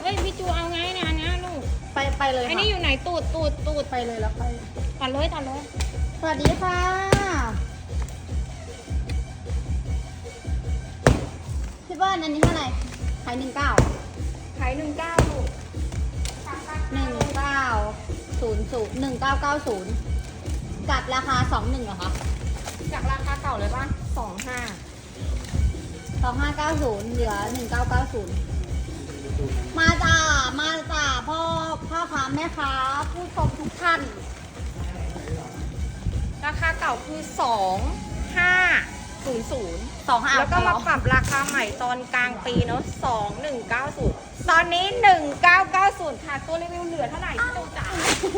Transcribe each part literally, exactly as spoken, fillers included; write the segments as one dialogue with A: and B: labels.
A: อ้ยพี่จูเอาไงเนี่ยนะลูก
B: ไปไปเลย
A: ไอ้
B: ค่ะ
A: นี่อยู่ไหนตูดตูดตูด
B: ไปเลยแล้วไป
A: ตัดเลยตัดเลย
B: สวัสดีค่ะพี่เบิ้ลอันนี้เท่าไหร่ขายหนึ่งเก้า
A: ขายหนึ่งเก้าลูก
B: หนึ่งเก้าศูนย์ศูนย์หนึ่งเก้าเก้าศูนย์กับราคาสองหนึ่งเหรอคะ
A: จากราคาเก่าเลยป่ะสองห้า
B: สองห้าเก้าศูนย์เหลือหนึ่งเก้าเก้าศูนย์มาจ้ามาจ้าพ่อพ่อค้าแม่ค้าผู้ชมทุกท่าน
A: ราคาเก่าคือสองห้าศูนย์ศูนย์
B: สองห้า
A: แล้วก็มาปรับราคาใหม่ตอนกลางปีเนาะสองหนึ่งเก้าศูนย์ตอนนี้หนึ่งเก้าเก้าศูนย์ค่ะตัวรีวิวเหลือเท่าไหร่พี่จูจ๋า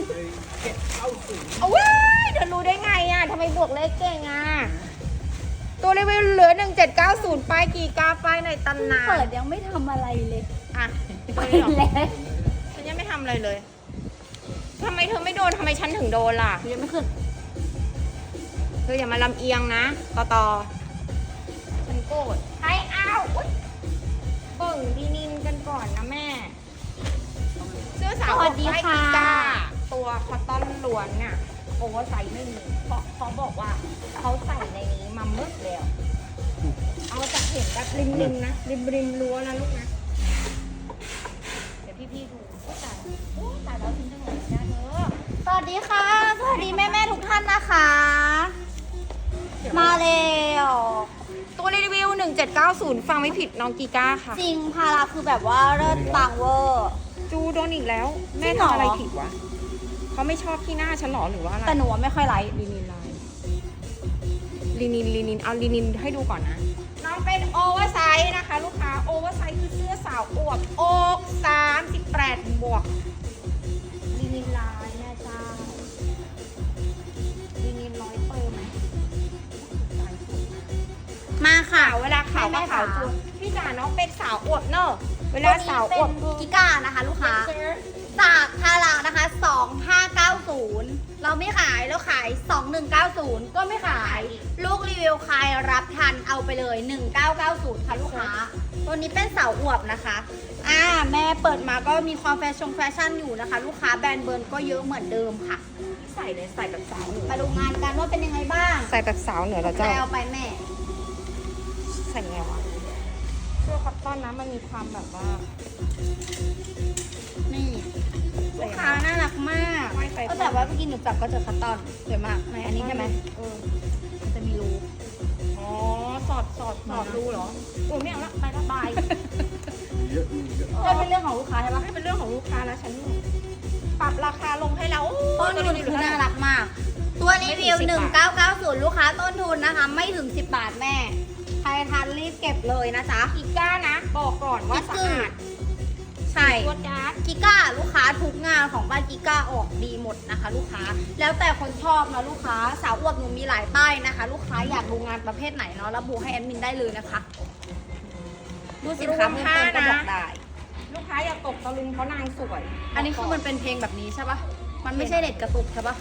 A: เอาว้ายเดี๋ยวรู้ได้ไงอ่ะทำไมบวกเลขเก่งอ่ะตัวรีวิวเหลือหนึ่งเจ็ดเก้าศูนย์ป้ายกี่กาป้ายในตำนาน
B: เปิดยังไม่ทำอะไรเลย
A: อ่ะ
B: ไป
A: ตัวนี้เหรอ
B: แล้ว
A: ฉันยังไม่ทำอะไรเลยทำไมเธอไม่โดนทำไมฉันถึงโดนล่ะ
B: ยังไม่ขึ้น
A: เธออย่ามาลำเอียงนะต่อต่อฉันโกรธใครเอาอุ๊ยเบิ่งดีนินกันก่อนนะแม่ เสื้อสาว
B: สวัสดีค่ะ
A: ไก้าตัวคอตตอนล้วนเนี่ยโอเวอร์ไซส์ไม่มีเพราะเขาบอกว่าเขาใส่ในนี้มาเมื่อแล้ว เอาจากเห็นแบบริมริมๆนะริมริมๆรั้วนะลูกนะ เดี๋ยวพี่ๆดูโอ้ตายโอ้ตายแล้วทิ้งจังเลยนะเธอ
B: สวัสดีค่ะ สวัสดีแม่แม่ๆทุกท่านนะคะ มาเร็ว
A: ตัวรีวิวหนึ่งเจ็ดเก้าศูนย์ฟังไม่ผิดน้องกีก้าค่ะ
B: จริงพาราคือแบบว่าเลิศปังเวอร์
A: จูโดนอีกแล้ว แม่
B: จริงเหรอ
A: ทำอะไรผิดวะเขาไม่ชอบที่หน้าฉันหรอหรือว่าอะไร
B: แต่หนูว่าไม่ค่อยไลค์
A: ลีนินไลน์ลีนินลีนินเอาลีนินให้ดูก่อนนะ น้องเป็นโอเวอร์ไซส์นะคะ ลูกค้าโอเวอร์ไซส์คือเสื้อสาวอวบอกสามสิบแปดบวกลีนินไลน์แม่เจ้าลีนินร้อยเปอร์ไหมลายสวยมาก
B: มาค่ะ
A: ขาวเวลาขาว
B: แม่
A: ก็
B: ๆ
A: ขาว
B: ค่ะ
A: จุดพี่จ๋าน้องเป็นสาวอวบเนอะเวลาสาวอวบ
B: ตัวนี้เป็นกิก้านะคะ ลูกค้า จากพารานะคะ สองห้าเก้าศูนย์ เราไม่ขายเราขาย สองหนึ่งเก้าศูนย์ ก็ไม่ขาย ลูกรีวิวใครรับทันเอาไปเลย หนึ่งเก้าเก้าศูนย์ ค่ะลูกค้า ตัวนี้เป็นเสาอวบนะคะ อ่าแม่เปิดมาก็มีความแฟชั่นแฟชั่นอยู่นะคะ ลูกค้าแบรนด์เบิร์นก็เยอะเหมือนเดิมค่ะ
A: ใส่เลยใส่แบบสาวเหนือ
B: มาดูงานกันว่าเป็นยังไงบ้าง
A: ใส่แบบสาวเหนือแล้ว
B: ใคร
A: เจ้า
B: เอาไปแม่
A: ใส่ไงวะเสื้อคอตตอนนะมันมีความแบบว่า
B: นี่ลูกค้าน่ารักมาก
A: ไม่ใส่
B: ก็แต่ว่าเมื่อกี้หนูจับก็เจอคัตตอนสวยมากในอันนี้ใช่ไหม
A: เออ
B: มันจะมีรู
A: อ๋อสอดสอดสอดรูเหรอโอ้ยไม่เอาละไปละบาย
B: ก็เป็นเรื่องของลูกค้าใช่ปะ
A: ให้เป็นเรื่องของลูกค้าแล้วฉันปรับราคาลงให้แล้ว
B: ต้นทุนคือน่ารักมาก ตัวรีวิวหนึ่งเก้าเก้าศูนย์ลูกค้าต้นทุนนะคะ ไม่ถึงสิบบาทแม่ ใครทันรีบเก็บเลยนะจ๊ะ
A: อีก้านะบอกก่อนว่าสะอาด
B: ใช่
A: ตัวจ้าด
B: กิก้าลูกค้าทุกงานของบ้านกิก้าออกดีหมดนะคะ ลูกค้า แล้วแต่คนชอบนะลูกค้าสาวอวบหนูมีหลายป้ายนะคะ ลูกค้าอยากดูงานประเภทไหนเนาะระบุให้แอดมินได้เลยนะคะดูสินค้าเพิ่มเติมก็บอกได้
A: ลูกค้าอย่าตกตะลึงเพราะนางสวย
B: อันนี้คือมันเป็นเพลงแบบนี้ใช่ปะมันไม่ใช่เน็ตกระตุกใช่ปะ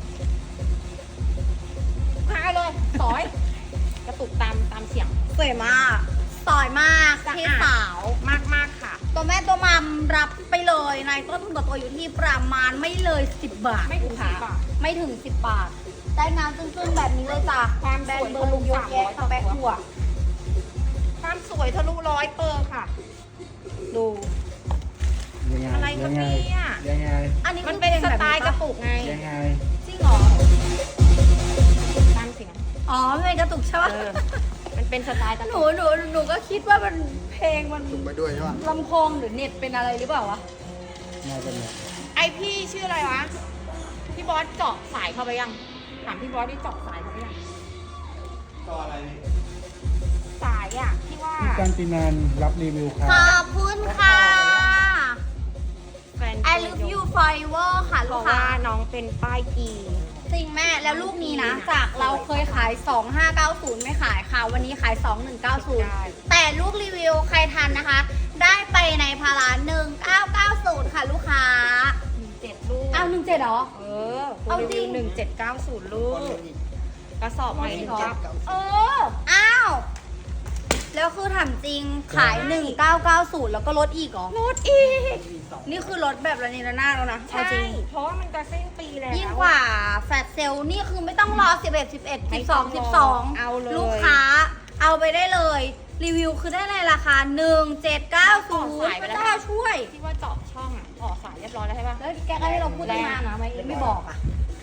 A: ลูกค้าเลยสอยกระตุกตามตามเสียง
B: สวยมากสวยมาก
A: สะอาด
B: พี่สาว
A: มากมากๆค่ะ
B: ตัวแม่ตัวมัมรับไปเลยในต้นทุนต่อตัวอยู่ที่ประมาณไม่เลยสิบบาท
A: ไม่ถึง
B: ค่ะ
A: สิบบาท
B: ไม่ถึงสิบบาท ได้งานซึ้งๆแบบนี้เลยจ้ะ
A: ความ
B: แบร
A: ส
B: น
A: วย
B: ด์เบอร์ลุงเยอะแยะ
A: ทะลุ
B: แปะหัว
A: ความสวยทะลุร้อยเปอร์ค่ะ ดู
C: ยังไง
A: อะไรครับเนี่ย
C: ยังไง
B: อันนี้
A: มัน
B: คือ
A: เป็น
B: พลง
A: ส
B: แบบ
A: ไตล์กระตุกไง
C: ยังไง
B: จริงเหรอ
A: ตามเสียง
B: อ๋อมันเป็นกระตุกใช่ปะ
A: เออ มันเป็นสไตล์กระ
B: ห
A: ตุ
B: นู
A: ก
B: หนูหนูก็คิดว่ามันเพลงมัน
C: ถูกไปด้วยใช่ป่ะ
B: ลำโพงหรือเน็ตเป็นอะไรหรือเปล่าวะ
C: น่าจะเนี่ย
A: ไอพี่ชื่ออะไรวะ พี่บอสเจาะสายเข้าไปยัง ถามพี่บอสที่เจาะสายเข้าไปยัง
C: ต่ออะไร
A: สายอ่ะ ที่ว่า
C: พี่กันตินันรับรีวิวค่ะ
B: ขอบคุณค่ะ
A: แฟน
B: I love you forever ค่ะ
A: เพ
B: ลูก
A: ราะ
B: ค้า
A: ว่าน้องเป็นป้ายกี
B: จริงแม่แล้วลูกนี้นะ จากเราเคยขาย สองห้าเก้าศูนย์ ไม่ขายค่ะ วันนี้ขาย สองหนึ่งเก้าศูนย์ แต่ลูกรีวิวใครทันนะคะ ได้ไปในพาราหนึ่งเก้าเก้าศูนย์ ค่ะลูกค้า
A: หนึ่งเจ็ดลูก
B: อ้าวหนึ่งเจ็ดเหรอ
A: เออ
B: เอาจริง
A: หนึ่งเจ็ดเก้าศูนย์ลูก กระสอบใหม่หนึ่งเก้า
B: เออ อ้าวแล้วคือถามจริงขาย หนึ่งเก้าเก้าศูนย์ แล้วก็ลดอีกเหรอ
A: ลดอีก
B: นี่คือลดแบบระเนระนาดแล้วนะเอา
A: ใช่
B: จริง
A: เพราะว่ามันจะสิ้นปีแล้ว
B: ยิ่งกว่าแฟลชเซลล์นี่คือไม่ต้องรอ สิบเอ็ด สิบเอ็ด
A: ไม่
B: สิบ
A: ต้
B: สอ
A: อง ง
B: สิบ
A: ร
B: ส
A: อ
B: อง
A: เอาเลย
B: ลูกค้าเอาไปได้เลย รีวิวคือได้ในราคา หนึ่งเจ็ดเก้าศูนย์
A: สายไป
B: พ
A: แล้ว
B: ระเจ้าช่วย
A: ที่ว่าเจาะช่องอ่ะต่อสายเรียบร้อยแล้วใช่ปะ
B: แล้วแกก็ให้เราพูดตั้งนานนะไม่ไม่บอกอ่ะ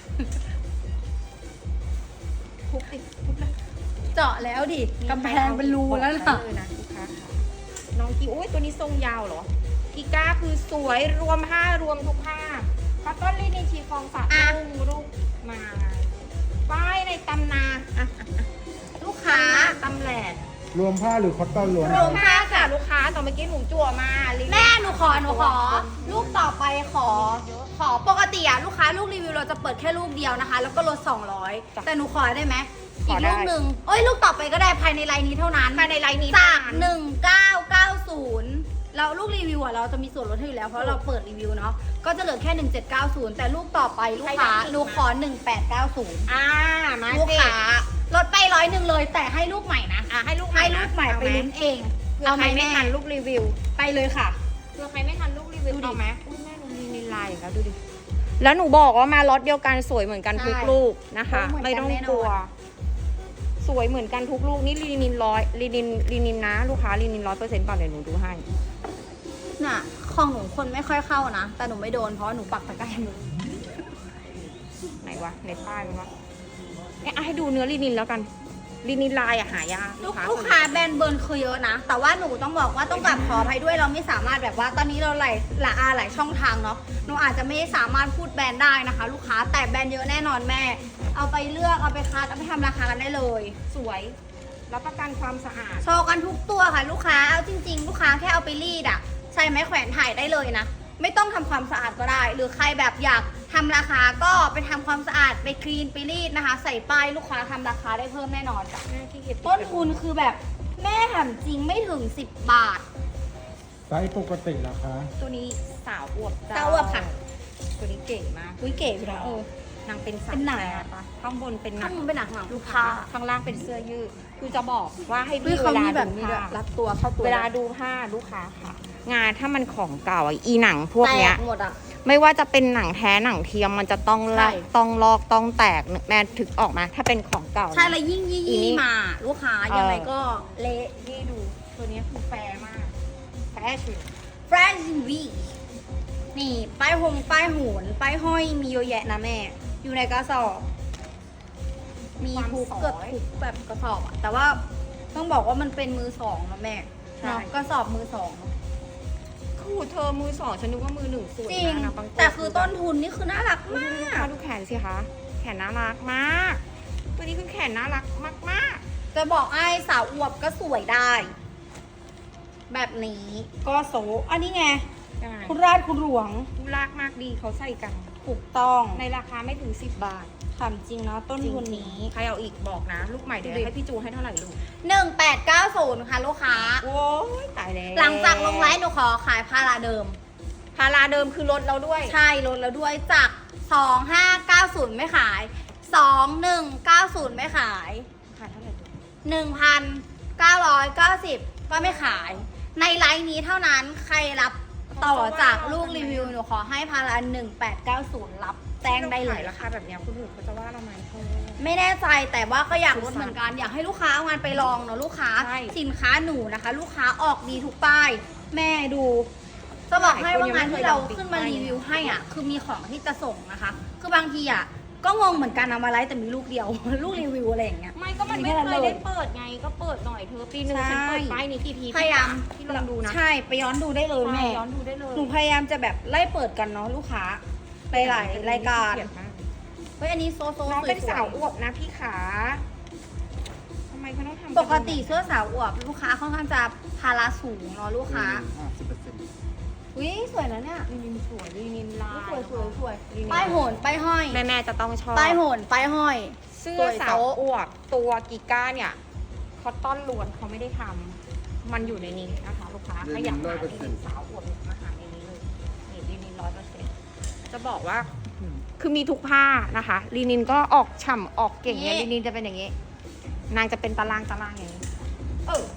A: ทุบติดทุบเลย
B: เจาะแล้วดิกำแพงเป็นรูแล้ว
A: นะ
B: นะ
A: เลยนะลูกค้าค่ะน้องกีอุ้ยตัวนี้ทรงยาวเหรอกีก้าคือสวยรวมผ้ารวมทุกผ้าคอตตอนลินินชีฟองฝากลุงลูกมาป้ายในตำนาอ่ะ
B: ลูกค้า
A: ตำแหลก
C: รวมผ้าหรือคอตตอนล้วน
B: รวม
A: ผ้าค่ะลูกค้าต่อเมื่อกี้หนูจั่วมาลินิน
B: แม่หนูขอหนูขอ ลูกต่อไปขอ ขอปกติอะลูกค้าลูกรีวิวเราจะเปิดแค่ลูกเดียวนะคะ แล้วก็ลดสองร้อยแต่หนูขอได้ไหมอีกลูกหนึ่งเอ้ยลูกต่อไปก็ได้ภายในไลน์นี้เท่านั้น
A: ภายในไลน์นี้
B: จาก
A: เท่
B: หนึ่งเก้าเก้าศูนย์แล้วลูกรีวิวอะเราจะมีส่วนลดให้อยู่แล้วเพราะเราเปิดรีวิวเนาะก็จะเหลือแค่หนึ่งเจ็ดเก้าศูนย์แต่ลูกต่อไปลูกค้าหนูขอหนึ่งแปดเก้าศูนย์
A: อ่ามา
B: ลูก
A: สิ
B: ค้าลดไปร้อยหนึ่งเลยแต่ให้ลูกใหม่นะ
A: อ่ะให้ลูกใหม่
B: ให้
A: นะ
B: ลูกใหม่ไปลุ้นเอง
A: เผื่อ
B: เอา
A: ใค
B: ไห
A: ร
B: ม
A: ไม่
B: แม่
A: ทันลูกรีวิว
B: ไปเลยค่ะ
A: เผื่อใครไม่ทันลูกรีวิว
B: ดูดิ
A: เอาไหมอุ้ยแม่หนูมีนินลายอีกแล้วดูดิแล้วหนูบอกว่ามาล็อตเดียวกันสวยเหมือนกันทุก
B: ใช่
A: ลูกนะคะ
B: เหมือนกัน
A: ไม่ต้อง
B: แน่นอน
A: กลัว สวยเหมือนกันทุกลูกนี่ลีนินร้อยลีนินลีนินนะลูกค้าลีนินร้อยเปอร์เซ็นต์ก่อนเดี๋ยวหนูดูให้
B: น่ะของหนูคนไม่ค่อยเข้านะ แต่หนูไม่โดนเพราะหนูปักตะกร้ามือ
A: ไหนวะในป้ายมันวะเนี่ยอ่ะให้ดูเนื้อลีนินแล้วกันลีนินลายอะหายาก
B: ลูกลูกค้าแบรนด์เบิร์นคือเยอะนะ แต่ว่าหนูต้องบอกว่าต้องกลับขออภัยด้วยเราไม่สามารถแบบว่าตอนนี้เราหลายหลายอาหลายช่องทางเนาะหนูอาจจะไม่สามารถพูดแบรนด์ได้นะคะ ลูกค้าแต่แบรนด์เยอะแน่นอนแม่ เอาไปเลือกเอาไปคัดเอาไปทำราคากันได้เลย
A: สวยรับประกันความสะอาด
B: โชว์กันทุกตัวค่ะลูกค้าเอาจริง ๆ ลูกค้าแค่เอาไปรีดอะใช้ไม้แขวนถ่ายได้เลยนะไม่ต้องทำความสะอาดก็ได้ หรือใครแบบอยากทำราคาก็ไปทำความสะอาดไปคลีนไปรีดนะคะ ใส่ป้ายลูกค้าทำราคาได้เพิ่มแน่นอนจ้ะ
A: แม่ขี้เกียจ
B: ต้นทุนคือแบบแม่ถามจริงไม่ถึงสิบบาท
C: ไซส์ปกติราคา
A: ตัวนี้สาวอวบจ้
B: สาวอวบค่ะ
A: ตัวนี้เก๋มาก
B: อุ้ยเก๋ไปนะเออ
A: นางเป็นสา
B: เป็นหนัง
A: แปรปะข้างบนเป็นหนั
B: ข้าง งมันเป็นหนังหนัง
A: ลูกค้าข้างล่างเป็นเสื้อยืดคือจะบอกว่าให้
B: อุ้ย
A: พี่
B: เขา
A: เวลา
B: มีแบบ
A: ดู
B: นี้
A: ผ้า
B: ด้วยรัดตัวเข้าตัว
A: เวลาดูผ้าลูกค้าค่ะ งานถ้ามันของเก่าอะอีหนังพวก
B: แต
A: เนี้ย
B: กหมดอ่ะ
A: ไม่ว่าจะเป็นหนังแท้หนังเทียมมันจะต้องลอก
B: ใช่
A: ต้องลอกต้องแตกแม่ถึกออกมา ถ้าเป็นของเก่านะ
B: ใช่แล้วยิ่งยี่
A: อีนี่
B: ยี่มา ลูกค้ายังไงก็
A: เละนี่ดูตัวนี้คือแฟร์มากแฟชั่น
B: แฟรนซ์วีนี่ป้ายหงป้ายโหนป้ายห้อยมีเยอะแยะนะแม่ อยู่ในกระสอบ มีทุกเกือบทุกแบบกระสอบอะแต่ว่าต้องบอกว่ามันเป็นมือสองนะแม่เนาะกระสอบมือสองเนอะ
A: คู่เธอมือสองฉันนึกว่ามือหนึ่งสวย
B: จริง
A: มากนะบางว
B: แต่คือต้นทุนนี่คือน่ารัก
A: อุ๊ย
B: มา
A: ดูลูกค้าก ดูแขนสิคะแขนน่ารักมาก ตัวนี้คือแขนน่ารักมาก
B: จะบอกไอ้สาวอวบก็สวยได้ แบบนี้ก็โสอันนี้ไง
A: ๆใช่
B: คุณราชคุณหลวง
A: ดูรักมากดีเขาใส่กัน
B: ถูกต้อง
A: ในราคาไม่ถึงสิบบาท
B: ถามจริงนะต้นทุนนี้
A: ใครเอาอีกบอกนะ ลูกใหม่เดี๋ยว
B: ดูดิ
A: ให้พี่จูให้เท่าไหร่ลูก
B: หนึ่งแปดเก้าศูนย์ค่ะลูกค้า
A: โอ้ยตายแล้ว
B: หลังจากลงไลฟ์หนูขอขายพาราเดิม
A: พาราเดิมคือลดเราด้วย
B: ใช่ลดแล้วด้วยจากสองห้าเก้าศูนย์ไม่ขายสองหนึ่งเก้าศูนย์ไม่ขาย
A: ขายเท่าไหร่ลูก
B: หนึ่งพันเก้าร้อยเก้าสิบก็ไม่ขาย ในไลฟ์นี้เท่านั้นใครรับต่อจากลูกรีวิวหนูขอให้พาราหนึ่งแปดเก้าศูนย์รับแจ้งได้เลย
A: ราคาแบบเนี้ยคุณอื่นเขาจะว่าเราไหมเธอ
B: ไม่แน่ใจแต่ว่าก็อยากลดเหมือนกัน อยากให้ลูกค้าเอางานไปลองเนาะลูกค้า
A: ใช่
B: สินค้าหนูนะคะ ลูกค้าออกดีทุกป้าย แม่ดูจะบอกให้ว่างานที่เราขึ้นมารีวิวให้อ่ะ คือมีของที่จะส่งนะคะ คือบางทีอ่ะก็งงเหมือนกันเอามาไลฟ์แต่มีลูกเดียว ลูกรีวิวอะไรอย่างเงี้ย
A: ไม่ก็มันไม่เคยได้เปิดไงก็เปิดหน่อยเธอปีหนึ่ง
B: ใช่
A: ฉันเปิดป้ายนี้กี่ที
B: พยายาม
A: ที่ลองดูนะ
B: ใช่ไปย้อนดูได้เลยแม่
A: ใช่ย้อนดูได้เลย
B: หนูพยายามจะแบบไล่เปิดกันเนาะลูกค้าไปหลายรายการ
A: เกลียดมาก
B: เฮ้ยอันนี้โซโซ
A: น้องเป็น
B: สวยๆ
A: สาวอวบนะพี่ขาทำไมเขาต้องทำ
B: ปกติเสื้อสาวอวบลูกค้าค่อนข้างจะพาราสูงเนาะลูกค้า
C: ห้าสิบเปอร์เซ็นต์
B: อุ้ยสวยนะเนี่ย
A: ลีนินสวยลีนินลาย
B: สวยสวยสวย
A: ลีนิน
B: ป้ายโหนป้ายห้อย
A: แม่แม่ๆจะต้องชอบ
B: ป้ายโหนป้ายห้อย
A: เสื้
B: ส
A: อ
B: วย
A: สาว
B: โต๊ะ
A: อวบตัวกิก้าเนี่ยคอตตอนล้วนเขาไม่ได้ทำมันอยู่ในนี้นะคะลูกค้าถ้าอยากหาลีนินสาวอวบมาหาในนี้เลยนี่ลีนินร้อยเปอร์เซ็นต์จะบอกว่าคือมีทุกผ้านะคะลีนินก็ออกฉ่ำออกเก่งเนี่ยลีนินจะเป็นอย่างนี้ นางจะเป็นตารางตารางอย่างนี้ เออ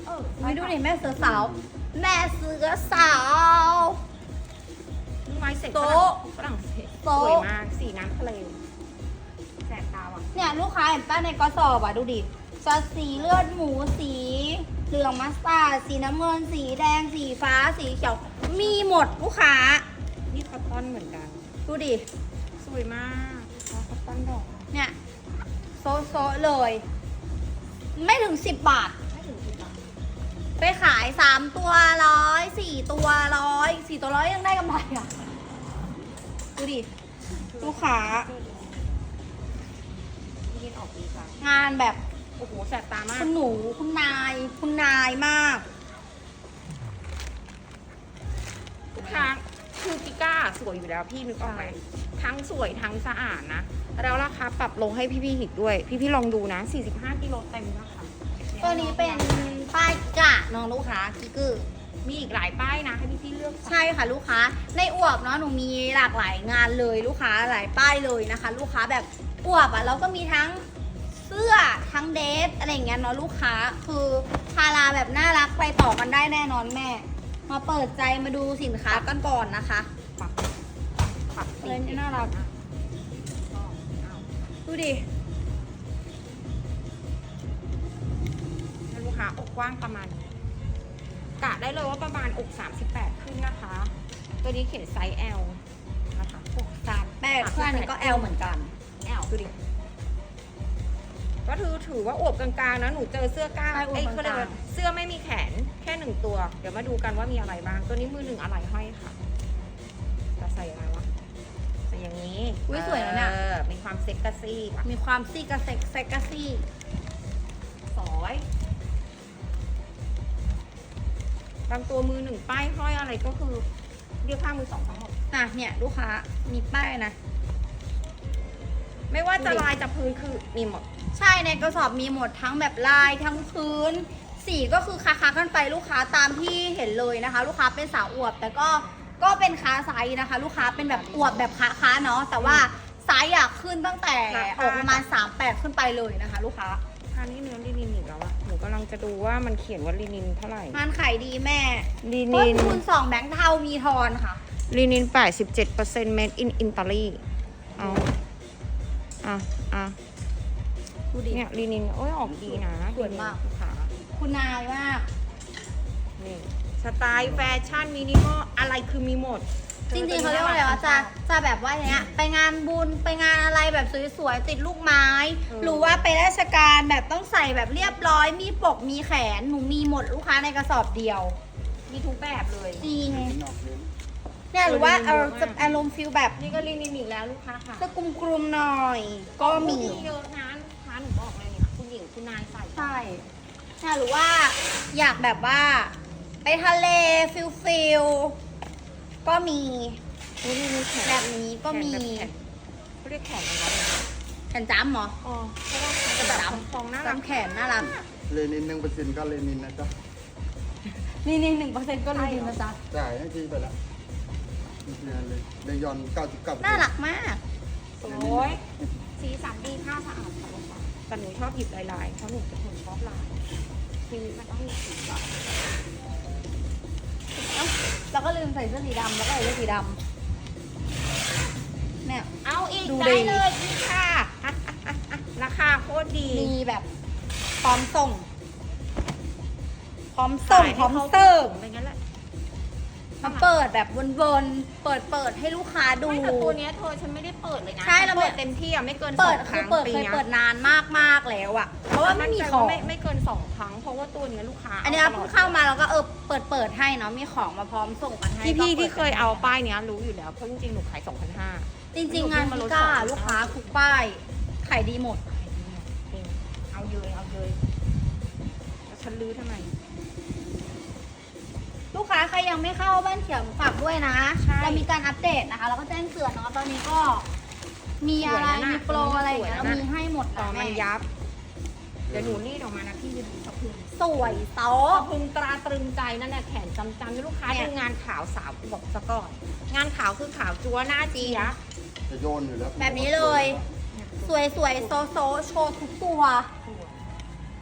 A: เออ
B: ไม่ดูดิแม่เสือสาว แม่เสือสาว
A: ไม้เสร็จ
B: โต๊ะ
A: ฝรั่งเศสส
B: โต๊ะ
A: วยมาก สีน้ำทะเลแสบตาว่ะ
B: เนี่ยลูกค้าเห็นป้าในกระสอบอ่ะดูดิจะสีเลือดหมูสีเหลืองมัสตาร์ดสีน้ำเงินสีแดงสีฟ้าสีเขียวมีหมดลูกค้า
A: นี่คอตตอนเหมือนกัน
B: ดูดิ
A: สวยมากคอตตอนดอก
B: เนี่ยโซะโซะเลย ไม่ถึงสิบบาท
A: ไม่ถึงสิบบาท
B: ไปขายสามตัวร้อยสี่ตัวร้อยสี่ตัวร้อยยังได้กำไรอ่ะ ดูดิ ลูกค้า
A: ยินออกดีค่ะ
B: งานแบบ
A: โอ้โหแสบตามาก
B: คุณหนูคุณนาย คุณนายมาก
A: ทุกครั้งคือปิก้าสวยอยู่แล้วพี่นึกออกไหมทั้งสวยทั้งสะอาดนะ แล้วราคาปรับลงให้พี่ๆหิกด้วย พี่ๆลองดูนะ สี่สิบห้ากิโลเต็มนะคะ
B: ตัวนี้เป็นป้ายกะน้องลูกค้ากิกกือ
A: มีอีกหลายป้ายนะ ให้พี่ๆเลือก
B: ใช่ค่ะลูกค้า ในอวบเนาะหนูมีหลากหลายงานเลยลูกค้าหลายป้ายเลยนะคะ ลูกค้าแบบอวบอ่ะเราก็มีทั้งเสื้อทั้งเดรสอะไรอย่างเงี้ยเนาะลูกค้าคือพาราแบบน่ารักไปต่อกันได้แน่นอนแม่ มาเปิดใจมาดูสินค้ากันก่อนนะคะ
A: ปรับปรับสี
B: เลยน่ารัก ดูดิ
A: ให้ลูกค้าอกกว้างประมาณนี้กะได้เลยว่าประมาณอกสามสิบแปดขึ้นนะคะ ตัวนี้เขียนไซส์ L นะคะ
B: สามแปดเพื่อนนี้ก็ L เหมือนกัน
A: L ดูดิก็ถือถือว่าอวบกลางๆนะหนูเจอเสื้อกล้าม
B: ใช่อวบ
A: เอ้ย
B: กลางๆ
A: เขาเรียกว่าเสื้อไม่มีแขนแค่หนึ่งตัว เดี๋ยวมาดูกันว่ามีอะไรบ้าง ตัวนี้มือหนึ่งอะไรห้อยค่ะจะใส่อะไรวะใส่อย่างนี้
B: อุ๊ยสวยนะเนี่ย
A: เออมีความเซ็กซี่ค่ะ
B: มีความซี่กระเซ็กเซ็กกระซี่
A: สอยบางตัวมือหนึ่งป้ายห้อยอะไรก็คือเรียกค่ามือสองทั้งหมด
B: อ่ะเนี่ยลูกค้ามีป้ายนะ
A: ไม่ว่าจะ
B: ดูดิ
A: ลายจะพื้นคือมีหมด
B: ใช่ในกระสอบมีหมดทั้งแบบลายทั้งพื้น สีก็คือคาคากันไปลูกค้าตามที่เห็นเลยนะคะ ลูกค้าเป็นสาวอวบ แต่ก็ก็เป็นค้าไซส์นะคะ ลูกค้าเป็นแบบอวบแบบค้าค้าเนาะแต่ว่าไซส์อยากขึ้นตั้งแต่ออกประมาณสามแปดขึ้นไปเลยนะคะ ลูกค้า
A: ค่านี้เนื้อลินินอีกแล้วอะหนูกำลังจะดูว่ามันเขียนว่าลินินเท่าไหร่
B: งานขายดีแม่
A: ลิ
B: ต้
A: นิ
B: น
A: น
B: ทุนสองแบงค์เทามีทอนค่ะ
A: ลินินแปดสิบเจ็ดเปอร์เซ็นต์ made in Italy เอาอ่ะอ่ะ
B: ดูดิ
A: เนี่ยลินินโอ้ยออกดีนะ
B: สวยมาก
A: ลูค้า
B: คุณนายมาก
A: นี่สไตล์แฟชั่นมินิมอลอะไรคือมีหมด
B: จริงๆเขาเรียกว่าอะไรวะจะจะแบบว่าอย่างเงี้ยไปงานบุญไปงานอะไรแบบสวยๆติดลูกไม้ หรือว่าไปราชการแบบต้องใส่แบบเรียบร้อยมีปกมีแขนหนูมีหมดลูกค้าในกระสอบเดียว
A: มีทุกแบบเลย
B: จริง
C: นอกเน้น
B: เนี่ยหรือว่า
A: เอ
B: เอ
A: อ
B: อจะอารมณ์ฟิลแบบ
A: นี่ก็ลินินอีกแล้วลูกค้าค่ะ
B: จะกลุ่มๆหน่อย ก็มี
A: เยอะนะลูกค้าหนูบอกเลยเนี่ยคุณหญิงคุณนายใส่
B: ใช่เนี่ยหรือว่าอยากแบบว่า ไปทะเลฟิลฟิลก็มี
A: นี่นี่นี่แขน
B: แบบนี้ก็มี
A: แขนแบบแขนเขาเรียกแขนอะไรวะ
B: แขนจ้ำเหรอ
A: อ๋อเพราะว่ามันจะแบบฟองๆน่ารัก
B: จำแขนน่ารัก
C: เลนินหนึ่งเปอร์เซ็นต์ก็เลนินนะจ๊ะ
B: นี่นี่หนึ่งเปอร์เซ็นต์ก็เลยดีนะจ๊ะ
C: จ่ายให้ทีไปละนี่เลยเลยยอนเก้าสิบเก้า
B: น่ารักมาก
A: โอ้ยสีสันดีผ้าสะอาดค่ะลูกค้าแต่หนูชอบหยิบลายๆเพราะหนูเป็นคนชอบลายชีวิตมันต้องมีสีสัน
B: เอ้าแล้วก็ลืมใส่เสื้อสีดำแล้วก็ใส่เสื้อสีดำเนี่ย
A: เอาอีก
B: ดู
A: ได้
B: ดิ
A: เลยพี่ค่ะ อ่ะอ่ะอ่ะอ่ะราคาโคตรดี
B: มีแบบพร้อมส่ง พร้อมส่งพร้อมเสิร์ฟ
A: ไปงั้นแหละ
B: มาเปิดแบบวนๆเปิดเปิดให้ลูกค้าดู
A: ไม่แต่ตัวเนี้ยเธอฉันไม่ได้เปิดเลยนะ
B: ใช่เรา
A: ฉันเปิดเต็มที่อ่ะไม่เกินส
B: เปิ
A: อ
B: ด
A: งค
B: คือ
A: รั้ง
B: เปิด
A: ปี
B: เคย
A: เนี้ย
B: เปิดนานมากๆแล้วอะเพราะว่าไม่มีของ
A: ไม่ไม่เกินสองครั้ง เพราะว่าตัวเนี้ยลูกค้า
B: อันนี้เราเพิ่งเข้ามาแล้วก็เออเปิดเปิดให้เนาะมีของมาพร้อมส่งกันให้
A: พี่พี่
B: ก็ปิด
A: ที่เคยเอาป้ายเนี้ยรู้อยู่แล้วเพราะจริงๆหนูขายสองพันห้า
B: จริง ๆ งานพิก้าลูกค้าทุกป้ายขายดีหมด
A: เอาเยยเอาเยยแล้วฉันลื้อทำไม
B: ลูกค้าใครยังไม่เข้าบ้านเขียวฝากด้วยนะ
A: ใช่
B: เรามีการอัปเดตนะคะ แล้วก็แจ้งเตือนเนาะตอนนี้ก็มีอะไร
A: สวยนะ
B: มีโปรอะไรอย่างเงี้ย
A: สวย
B: เรา
A: นะ
B: มีให้หมด
A: ต่อ
B: นะ
A: มั
B: แม่
A: นยับ เดี๋ยวหนูรีดออกมานะพี่ยืนสะพรึง
B: สวยโต๊ะ
A: สะพรึงตราตรึงใจนั่นแหละแขนจำจำลูกค้า
B: เนี่ย
A: ดูงานขาวสาวบอกซะก่อน งานขาวคือขาวจัวหน้าเจี๊ยบ
C: จะโยนอยู่แล้ว
B: แบบนี้เลย สวยสวยโซโซโชว์ทุกตัว
A: ส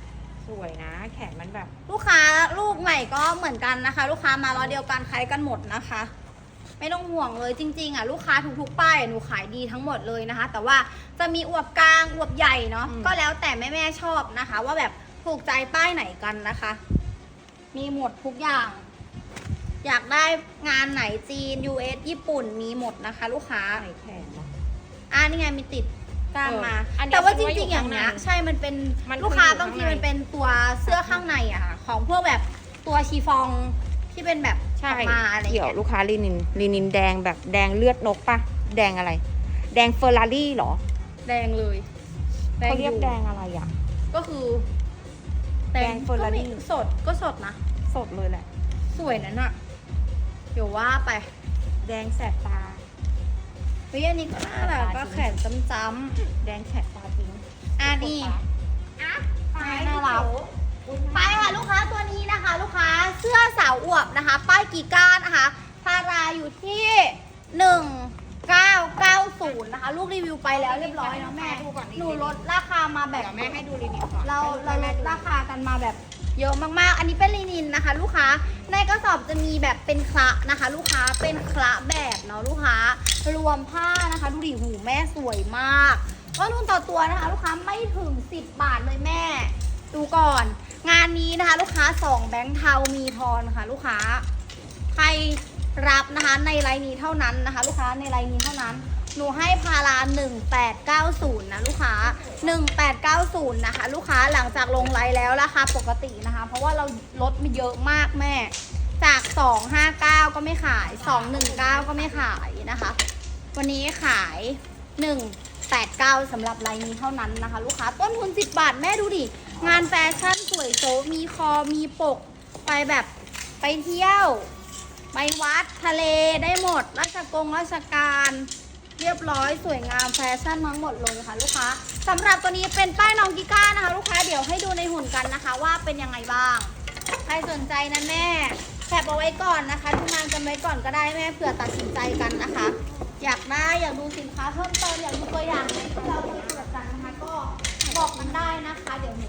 A: สวยนะ แขนมันแบบ
B: ลูกค้าลูกใหม่ก็เหมือนกันนะคะ ลูกค้ามารอเดียวกันคล้ายกันหมดนะคะ ไม่ต้องห่วงเลยจริงๆอ่ะลูกค้าทุกๆป้ายหนูขายดีทั้งหมดเลยนะคะ แต่ว่าจะมีอวบกลางอวบใหญ่เนาะก็แล้วแต่แม่ๆชอบนะคะ ว่าแบบถูกใจป้ายไหนกันนะคะ มีหมดทุกอย่าง อยากได้งานไหนจีน ยู เอส ญี่ปุ่นมีหมดนะคะ ลูกค้า
A: ใส่แขนเนาะ
B: อ่านี่ไงมีติดกล้ามมา
A: เอออันนี้
B: แต่ว่าจ
A: คิดว่าอยู่
B: ริงๆอย่างเนี้ย
A: ข้างใน
B: ใช่มันเป็น
A: มัน
B: ลูกค้า
A: คืออยู่
B: บางที
A: ข้างใน
B: มันเป็นตัวเสื้อข้างในอะค่ะของพวกแบบตัวชีฟองที่เป็นแบบ
A: ใช่
B: ออกมาอะไร
A: เดี๋ยว
B: เงี้ย
A: ลูกค้าลีนินลีนินแดงแบบแดงเลือดนกปะแดงอะไร แดงเฟอร์รารี่เหรอ
B: แดงเลย
A: เขาเรียก
B: อ
A: แดงอะไรอ่ะ
B: ก็คือ
A: แดงเฟอร์รารี่
B: ก็มีสดก็สดนะ
A: สดเลยแหละ
B: สวยนั่นอะเดี๋ยวว่าไป
A: แดงแสบตา
B: เฮ้ยอันนี้ก็น่ารักก็แขนจ้ำ
A: แดงแสบตาจริง
B: ๆอ่ะนี่
A: อ่ะ
B: น่ารัก ไปค่ะลูกค้าตัวนี้นะคะ ลูกค้าเสื้อสาวอวบนะคะ ป้ายกีก้านะคะพาราอยู่ที่หนึ่งเก้าเก้าศูนย์นะคะ ลูกรีวิวไปแล้วเรียบร้อยเนาะแม่หนูลดราคามาแบบ
A: เดี๋ยวแม่ให้ดูลีนินก่อน
B: เราเราลดราคากันมาแบบเยอะมากๆ อันนี้เป็นลินินนะคะ ลูกค้าในกระสอบจะมีแบบเป็นคละนะคะ ลูกค้าเป็นคละแบบเนาะลูกค้ารวมผ้านะคะ ดูดิหูแม่สวยมากก็นุ่นต่อตัวนะคะ ลูกค้าไม่ถึงสิบบาทเลยแม่ ดูก่อน งานนี้นะคะลูกค้าสองแบงค์เทามีทอนค่ะ ลูกค้าใครรับนะคะในไลน์นี้เท่านั้นนะคะ ลูกค้าในไลน์นี้เท่านั้น หนูให้พาราหนึ่งแปดเก้าศูนย์นะลูกค้าหนึ่งแปดเก้าศูนย์นะคะ ลูกค้าหลังจากลงไลน์แล้วราคาปกตินะคะ เพราะว่าเราลดมาเยอะมากแม่ จากสองห้าเก้าก็ไม่ขายสองหนึ่งเก้าก็ไม่ขายนะคะ วันนี้ขายหนึ่งแปดเก้าสำหรับไลน์นี้เท่านั้นนะคะ ลูกค้าต้นทุนสิบบาทแม่ดูดิงานแฟชั่นสวยโซมีคอมีปกไปแบบไปเที่ยวไปวัดทะเลได้หมดราชกงราชการเรียบร้อยสวยงามแฟชั่นทั้งหมดเลยค่ะลูกค้าสำหรับตัวนี้เป็นป้ายน้องกิก้านะคะ ลูกค้าเดี๋ยวให้ดูในหุ่นกันนะคะ ว่าเป็นยังไงบ้างใครสนใจนะแม่แคปเอาไว้ก่อนนะคะดูงานกันไว้ก่อนก็ได้แม่เผื่อตัดสินใจกันนะคะ อยากได้อยากดูสินค้าเพิ่มเติมอยากดูตัวอย่างไหนที่เราไปตรวจกันนะคะ ก็บอกกันได้นะคะ เดี๋ยว